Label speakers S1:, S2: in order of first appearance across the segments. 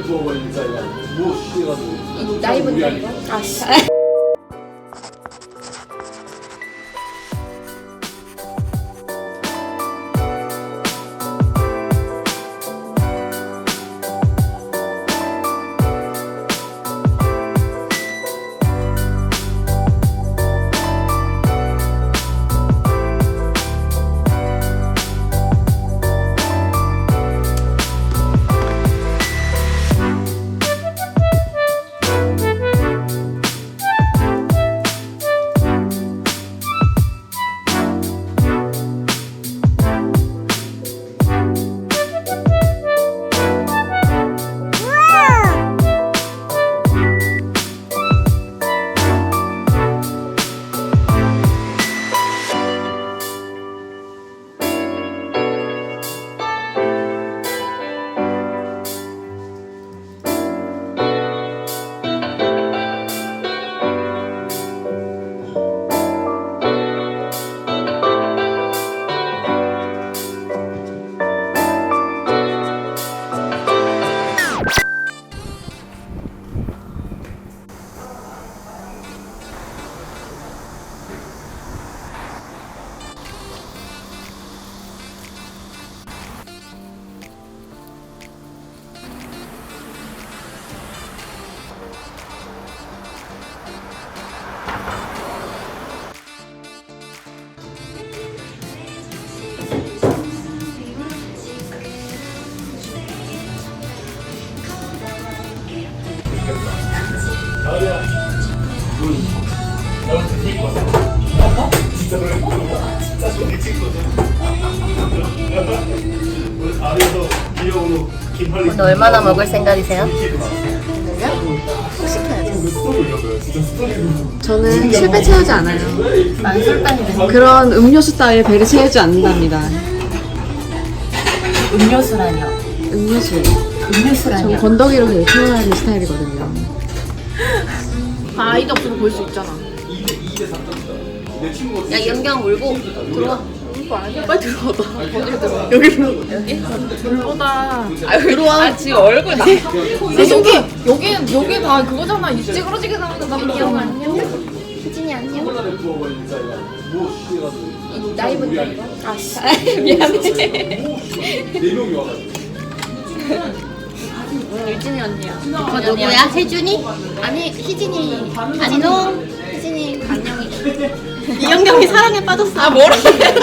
S1: 부어버리는 사이가 뭐 쉬해가지고
S2: 나이 본다 이거? 아씨.
S1: 나야. 넌 되게 이뻤어. 진짜 그래. 진짜 되게 찍거든. 오늘 다리에서 귀여운 김팔리.
S2: 오늘 얼마나 먹을 생각이세요?
S3: 저는 실패 채우지 않아요.
S2: 난 술빵이네.
S3: 그런 음료수 따위에 배를 채우지 않는답니다.
S2: 음료수라뇨.
S3: 음료수.
S2: 음료수라뇨.
S3: 전 건더기로 배를 채워야 하는 스타일이거든요.
S4: 아이도 없어도 볼 수 있잖아.
S2: 야 연경 울고 들어와.
S4: 빨리 들어와봐. 어디로 들어와? 여기로. 여기? 들어오다.
S2: 들어와. 지금 얼굴 나.
S4: 여기 다 그거잖아. 이 찌그러지게 나오는 거.
S2: 연경 안녕. 희진이 안녕.
S1: 부어버리는 사이가 뭐 쉬해가지고
S2: 나이 본다 이거? 아씨. 미안해.
S1: 네 명이 와가지고.
S2: 유진이 언니야. 저 누구야? 세준이? 아니 희진이. 안녕. 희진이 안녕이. 이영경이 사랑에 빠졌어. 아 뭐래?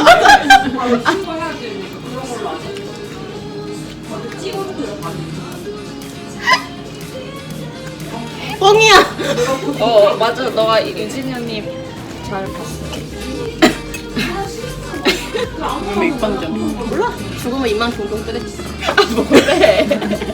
S2: 뻥이야.
S4: 맞아. 너가 유진이 언니 잘 봤어. 왜 입방정?
S2: 몰라. 죽으면 입만 동동 뜨겠지.
S4: 뭐래?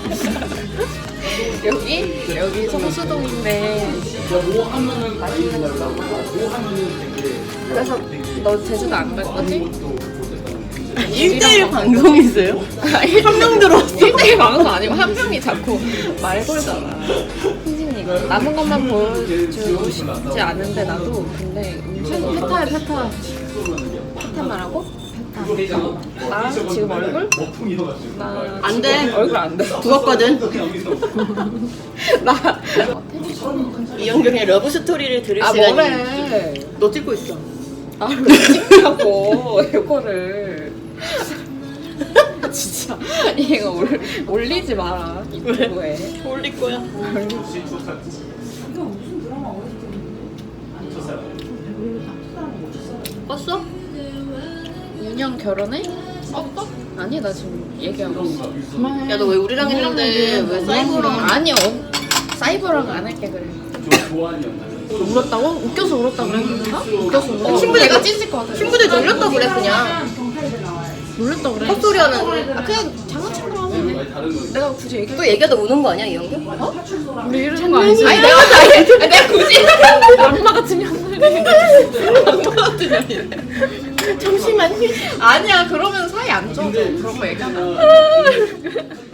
S4: 여기 성수동인데.
S1: 뭐 하면은 맛있는 날라고 뭐 하면은 되게.
S4: 그래서 너 제주도 안 갈 거지?
S2: 1대1 방송이세요?
S4: 한 명 들어왔어. 1대1 방송 아니고 한 명이 자꾸 말 걸잖아. 희진이 남은 것만 보여주고 싶지 않은데 나도 근데 페타야 페타. 페타 말하고? 페타. 나 지금 얼굴? 나
S2: 안 돼.
S4: 얼굴 안 돼.
S2: 죽었거든.
S4: 나
S2: 이영경의 러브 스토리를 들을
S4: 아
S2: 시간이.
S4: 뭐래?
S2: 너 찍고 있어.
S4: 아왜 찍냐고 이거를. 진짜 이거 올리지 마라. 왜?
S2: 올릴 거야. 껐어?
S4: 윤영 결혼해? 아니 나 지금 얘기하고 있어.
S2: 야 너 왜 우리랑 했는데 왜 사이버랑?
S4: 아니 사이버랑 안 할게 그래. 울었다고? 웃겨서 울었다 그랬는데? 웃겨서 울었다.
S2: 친구
S4: 내가 찢을 것 같아.
S2: 친구들 놀렸다 그래 그냥.
S4: 놀랬다 그래.
S2: 헛소리 하는. 아 그냥 장난친 거라고.
S4: 내가 굳이 얘기.
S2: 또 얘기하다 우는 거 아니야 이영경?
S4: 우리 이러는 거 아니지?
S2: 아니 내가 굳이.
S4: 악마 같은 년이래. 악마 같은 년이래.
S2: 잠시만요.
S4: 아니야 그러면 사이 안 좋아져. 그런 거 얘기하면.